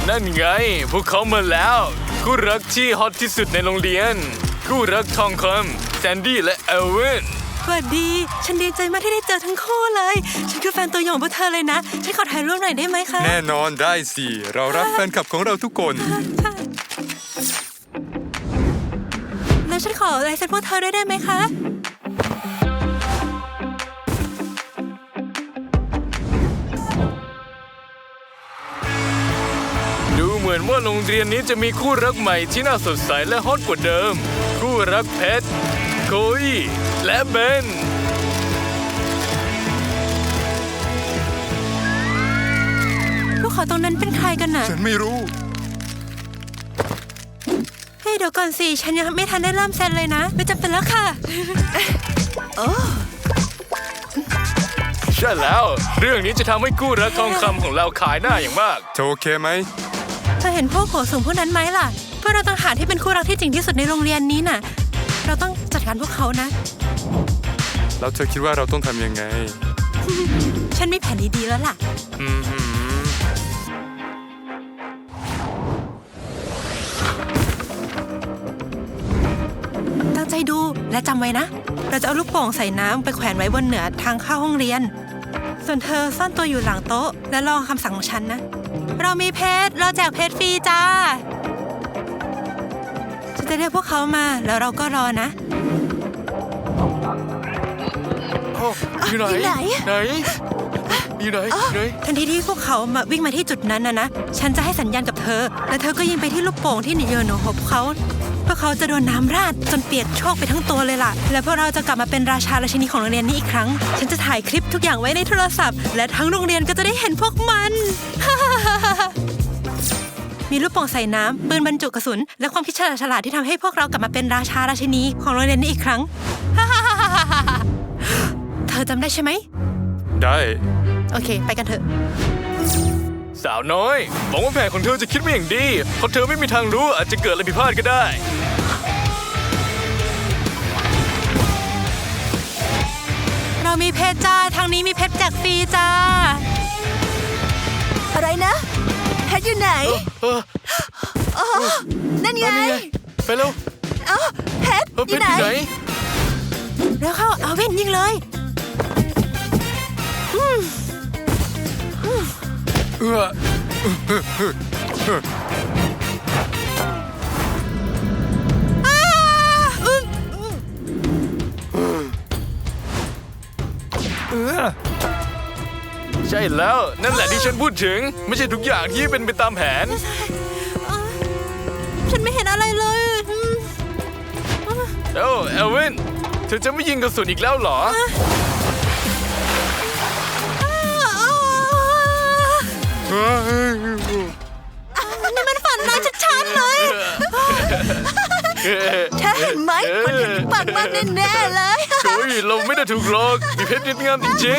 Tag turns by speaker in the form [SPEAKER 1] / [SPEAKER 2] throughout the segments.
[SPEAKER 1] นั่นไงพวกเขามาแล้วคู่รักที่ฮอตที่สุดในโรงเรียนคู่รักทองคำแซนดี้และเอลวิน
[SPEAKER 2] สวัสดีฉันดีใจมากที่ได้เจอทั้งคู่เลยฉันคือแฟนตัวยงของพวกเธอเลยนะฉันขอถ่ายรูปหน่อยได้ไหมคะ
[SPEAKER 3] แน่นอนได้สิเรารักแฟนคลับของเราทุกคน
[SPEAKER 2] แล้วฉันขอลายเซ็นพวกเธอได้ไหมคะ
[SPEAKER 1] ดูเหมือนว่าโรงเรียนนี้จะมีคู่รักใหม่ที่น่าสดใสและฮอตกว่าเดิมคู่รักเพชรโคอี้และเบน
[SPEAKER 2] พวกเขาตรงนั้นเป็นใครกันน่ะ
[SPEAKER 3] ฉันไม่รู้
[SPEAKER 2] เฮ้ยเดี๋ยวก่อนสิฉันยังไม่ทันได้เริ่มเซ็นเลยนะไม่จำเป็นแล้วค่ะโอ้
[SPEAKER 1] ใช่แล้วเรื่องนี้จะทำให้คู่รักทองคำของเราขายหน้าอย่างมาก
[SPEAKER 3] เธอโอเคไหม
[SPEAKER 2] เธอเห็นพวกโหสูงพวกนั้นไหมล่ะพวกเราต้องหาที่เป็นคู่รักที่จริงที่สุดในโรงเรียนนี้น่ะเราต้องจัดการพวกเขานะ
[SPEAKER 3] แล้วเธอคิดว่าเราต้องทำยังไง
[SPEAKER 2] ฉันมีแผนดีๆแล้วล่ะตั้งใจดูและจำไว้นะเราจะเอาลูกโป่งใส่น้ำไปแขวนไว้บนเหนือทางเข้าห้องเรียนส่วนเธอซ่อนตัวอยู่หลังโต๊ะและรอคำสั่งของฉันนะเรามีเพชรเราแจกเพชรฟรีจ้าฉันจะเรียกพวกเขามาแล้วเราก็รอนะ
[SPEAKER 1] อยู่ไหนอยู่ไหน
[SPEAKER 2] ทันทีที่พวกเขามาวิ่งมาที่จุดนั้นนะฉันจะให้สัญญาณกับเธอและเธอก็ยิงไปที่ลูกโป่งที่โยนหบเขาพวกเขาจะโดนน้ำราดจนเปียกโชกไปทั้งตัวเลยล่ะและพวกเราจะกลับมาเป็นราชาราชินีของโรงเรียนนี้อีกครั้งฉันจะถ่ายคลิปทุกอย่างไว้ในโทรศัพท์และทั้งโรงเรียนก็จะได้เห็นพวกมันมีลูกโป่งใส่น้ำปืนบรรจุกระสุนและความคิดฉลาดที่ทำให้พวกเรากลับมาเป็นราชาราชินีของโรงเรียนนี้อีกครั้งเธอจำได้ใช่ไหม
[SPEAKER 3] ได้
[SPEAKER 2] โอเคไปกันเถอะ
[SPEAKER 1] สาวน้อยหวังว่าแผนของเธอจะคิดไม่อย่างดีเพราะเธอไม่มีทางรู้อาจจะเกิดอะไรผิดพลาดก็ได้
[SPEAKER 2] เรามีเพชรจ้าทางนี้มีเพชรแจกฟรีจ้า
[SPEAKER 4] อะไรนะเพชรอยู่ไหนนั่นไง
[SPEAKER 1] ไปเร็ว
[SPEAKER 4] เพชรอยู่ไหน
[SPEAKER 2] แล้วเข้าเอาเว้นยิงเลย
[SPEAKER 1] ใช่แล้วนั่นแหละที่ฉันพูดถึงไม่ใช่ทุกอย่างที่เป็นไปตามแผน
[SPEAKER 2] ฉันไม่เห็นอะไรเลย
[SPEAKER 1] เอลวินเธอจะไม่ยิงกระสุนอีกแล้วเหรอ
[SPEAKER 2] นี่มันฝันร้ายชัดๆเลย
[SPEAKER 4] เธอเห็นไหมคนเห็นปากมากแน่ๆเลย
[SPEAKER 1] โอ้ยเราไม่ได้ถูกหลอกมีเพชรงดงามจริง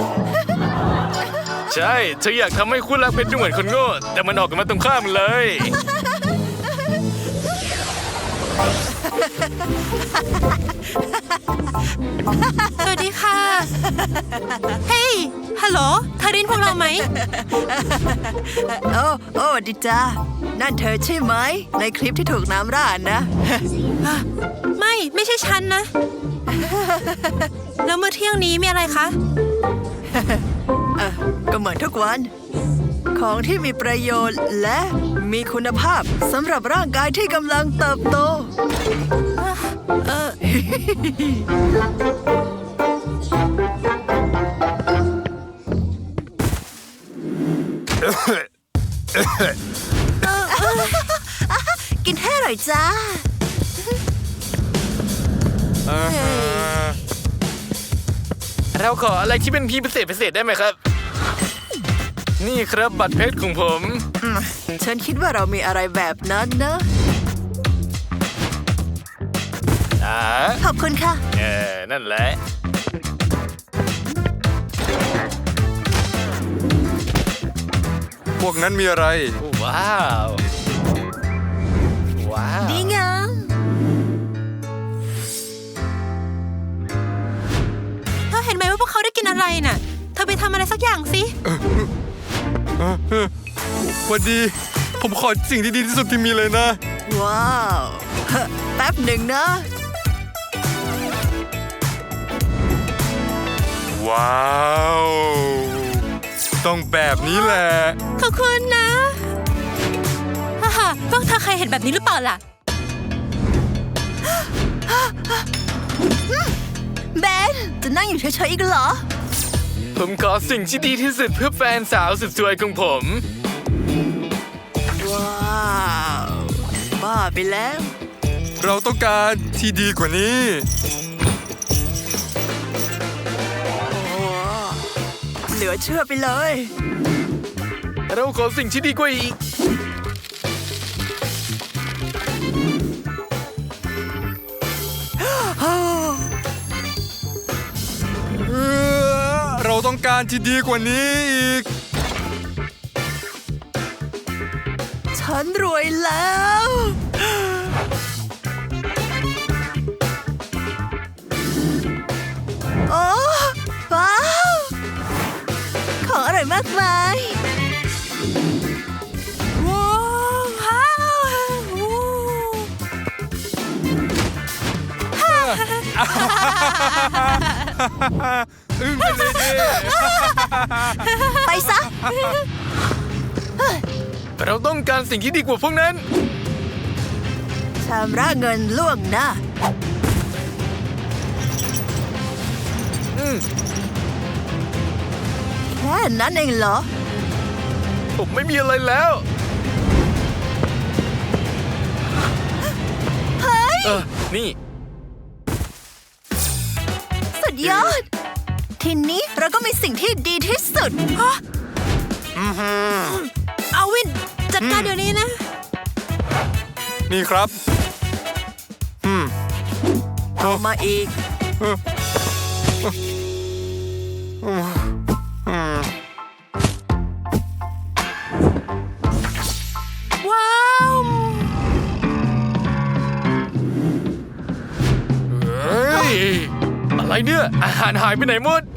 [SPEAKER 1] ๆใช่เธออยากทำให้คู่รักเพชรดูเหมือนคนโง่แต่มันออกกันมาตรงข้ามเลย
[SPEAKER 2] สวัสดีค่ะเฮ้ยฮัลโหลเธอได้ยินพวกเราไหม
[SPEAKER 4] โอ้ดิจ้านั่นเธอใช่ไหมในคลิปที่ถูกน้ำราดนะ
[SPEAKER 2] ไม่ใช่ฉันนะแล้วมื้อเที่ยงนี้มีอะไรคะ
[SPEAKER 4] ก็เหมือนทุกวันของที่มีประโยชน์และมีคุณภาพสำหรับร่างกายที่กำลังเติบโตกินให้อร่อยจ้า
[SPEAKER 1] เราขออะไรที่เป็นพิเศษได้ไหมครับนี่ครับบัตรเพชรของผม
[SPEAKER 4] ฉันคิดว่าเรามีอะไรแบบนั้นนะขอบคุณค่ะ
[SPEAKER 1] นั่นแหละ
[SPEAKER 3] พวกนั้นมีอะไร
[SPEAKER 1] ว้าว
[SPEAKER 4] ดีงาม
[SPEAKER 2] เห็นไหมว่าพวกเขาได้กินอะไรน่ะเธอไปทำอะไรสักอย่างสิ
[SPEAKER 3] วันดีผผมขอสิ่งที่ดีที่สุดที่มีเลยนะ
[SPEAKER 4] ว้าวเฮ้อแป๊บหนึ่งนะ
[SPEAKER 3] ว้าว ต้องแบบนี้แหละ
[SPEAKER 2] ขอบคุณนะฮ่าฮ่าพวกเธอเคยเห็นแบบนี้หรือเปล่าล่ะ
[SPEAKER 4] เบน จะนั่งอยู่เฉยๆอีกเหรอ
[SPEAKER 1] ผมขอสิ่งที่ดีที่สุดเพื่อแฟนสาวสุดสวยของผม
[SPEAKER 4] ว้าว บ้าไปแล้ว
[SPEAKER 3] เราต้องการที่ดีกว่านี้
[SPEAKER 4] โอ้เหลือเชื่อไปเลย
[SPEAKER 1] เราขอสิ่งที่ดีกว่าอีก
[SPEAKER 3] เราต้องการที่ดีกว่านี้อีก
[SPEAKER 4] ฉันรวยแล้ว โอ้ว้าว ของอร่อยมากมาย
[SPEAKER 2] ว้าวว้าว
[SPEAKER 3] อึ้งไปเลยดิ
[SPEAKER 4] ไปซะ
[SPEAKER 1] เราต้องการสิ่งที่ดีกว่าพวกนั้น
[SPEAKER 4] ชำระเงินล่วงหน้า แค่นั้นเองเหรอ
[SPEAKER 1] ผมไม่มีอะไรแล้ว
[SPEAKER 4] เฮ้ย
[SPEAKER 1] นี่
[SPEAKER 4] สุดยอด ทีนี้เราก็มีสิ่งที่ดีที่สุด
[SPEAKER 2] เอาวิน จัดการเดี๋ยวนี้นะ
[SPEAKER 3] นี่ครับ
[SPEAKER 4] เอามาอีก
[SPEAKER 2] ว้าว
[SPEAKER 1] เฮ้ย อะไรเนี่ย อาหารหายไปไหนหมด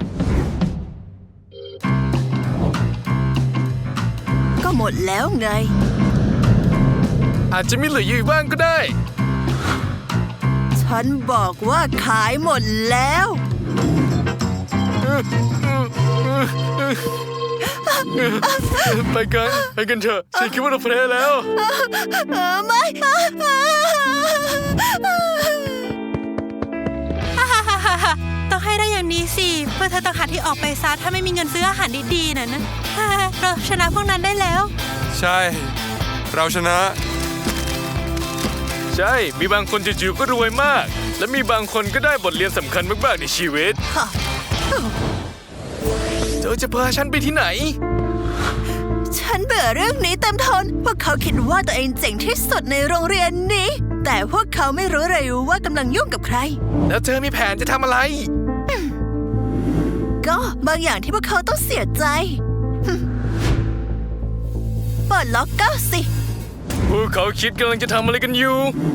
[SPEAKER 4] ก็หมดแล้วไง
[SPEAKER 1] อาจจะมีเหลืออยู่บ้างก็ได้
[SPEAKER 4] ฉันบอกว่าขายหมดแล้ว
[SPEAKER 1] ไปกันเถอะ ฉันคิดว่าเราแพ้แล้ว
[SPEAKER 4] ไม่
[SPEAKER 2] ต้องให้ได้อย่างนี้สิ เพื่อเธอต้องหาที่ออกไปซะถ้าไม่มีเงินซื้ออาหารดีๆนะ เราชนะพวกนั้นได้แล้ว
[SPEAKER 3] ใช่ เราชนะ
[SPEAKER 1] ใช่ มีบางคนจู่ๆก็รวยมาก และมีบางคนก็ได้บทเรียนสำคัญมากๆในชีวิต เธอจะพาฉันไปที่ไหน
[SPEAKER 4] ฉันเบื่อเรื่องนี้เต็มทน พวกเขาคิดว่าตัวเองเจ๋งที่สุดในโรงเรียนนี้ แต่พวกเขาไม่รู้เลยว่ากำลังยุ่งกับใคร
[SPEAKER 1] แล้วเธอมีแผนจะทำอะไร
[SPEAKER 4] ก็บางอย่างที่พวกเขาต้องเสียใจเปิดล็อกเกอร์สิ
[SPEAKER 1] พวกเขาคิดกำลังจะทำอะไรกันอยู่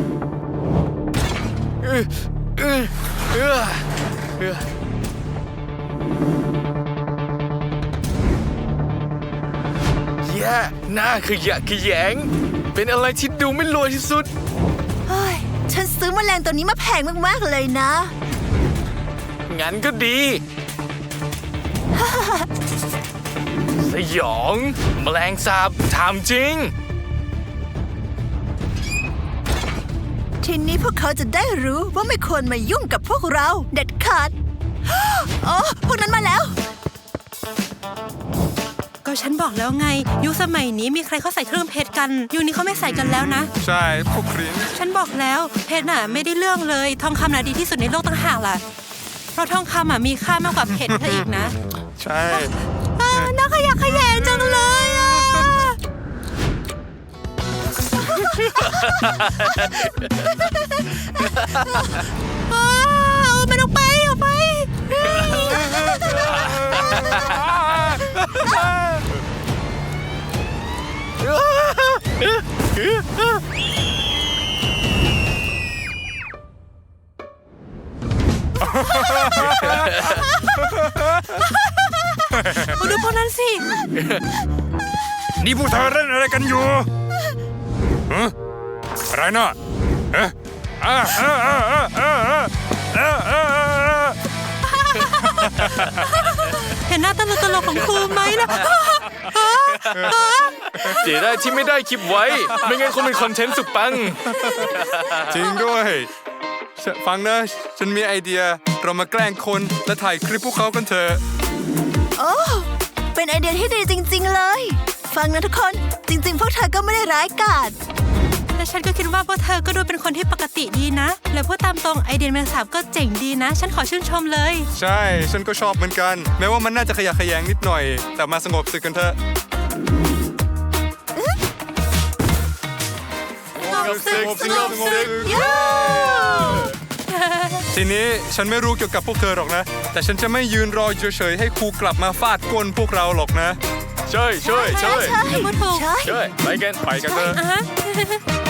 [SPEAKER 1] เออเออเออเออแย่หน้าขยะแขยง เป็นอะไรที่ดูไม่รวยที่สุด
[SPEAKER 4] เฮ้ย ฉันซื้อแมลงตัวนี้มาแพงมากๆเลยนะ
[SPEAKER 1] งั้นก็ดี สยองแมลงสาบถามจริง
[SPEAKER 4] ทีนี้พวกเขาจะได้รู้ว่าไม่ควรมายุ่งกับพวกเราเด็ดขาด โอ้พวกนั้นมาแล้ว
[SPEAKER 2] ก็ฉันบอกแล้วไง ยุคสมัยนี้มีใครเขาใส่เครื่องเพชรกัน ยุคนี้เขาไม่ใส่กันแล้วนะ
[SPEAKER 3] ใช่ พวกคริน
[SPEAKER 2] ฉันบอกแล้วเพชรน่ะไม่ได้เรื่องเลย ทองคำน่ะดีที่สุดในโลกต่างหากล่ะ เพราะทองคำอ่ะมีค่ามากกว่าเพชรซะอีกนะ
[SPEAKER 3] ใช่
[SPEAKER 2] น่าขยะแขยงจังเลยอ่ะเอามันออกไปออกไป
[SPEAKER 3] นี่พวกเธอเล่นอะไรกันอยู่อะไรน่ะเอ๊ะอ่าอ่าอ่าอ่าอ่าอ่าอ่าอ่า
[SPEAKER 2] เห็นหน้าตลกของครูไหมนะ
[SPEAKER 1] เสียได้ที่ไม่ได้คลิปไว้ ไม่งั้นคงเป็นคอนเทนต์สุดปัง
[SPEAKER 3] จริงด้วยฟังนะฉันมีไอเดียเรามาแกล้งคนและถ่ายคลิปพวกเขากันเถอะ
[SPEAKER 4] โอ้เป็นไอเดียที่ดีจริง ๆ เลย ฟังนะทุกคน จริง ๆ พวกเธอก็ไม่ได้ร้ายกาจ
[SPEAKER 2] และฉันก็คิดว่าพวกเธอก็ดูเป็นคนที่ปกติดีนะ และพูดตามตรงไอเดียแมงสาบก็เจ๋งดีนะ ฉันขอชื่นชมเลย
[SPEAKER 3] ใช่ฉันก็ชอบเหมือนกัน แม้ว่ามันน่าจะขยะแขยงนิดหน่อย แต่มาสงบศึกกันเถอะ ทีนี้ฉันไม่รู้เกี่ยวกับพวกเธอหรอกนะ แต่ฉันจะไม่ยืนรอเฉยๆให้ครูกลับมาฟาดก้นพวกเราหรอกนะ
[SPEAKER 1] ช่วย
[SPEAKER 2] พูดถูก
[SPEAKER 4] ใช่
[SPEAKER 1] ช่วยไปกัน
[SPEAKER 3] ไปกันเถอะ
[SPEAKER 2] อ่ะฮะ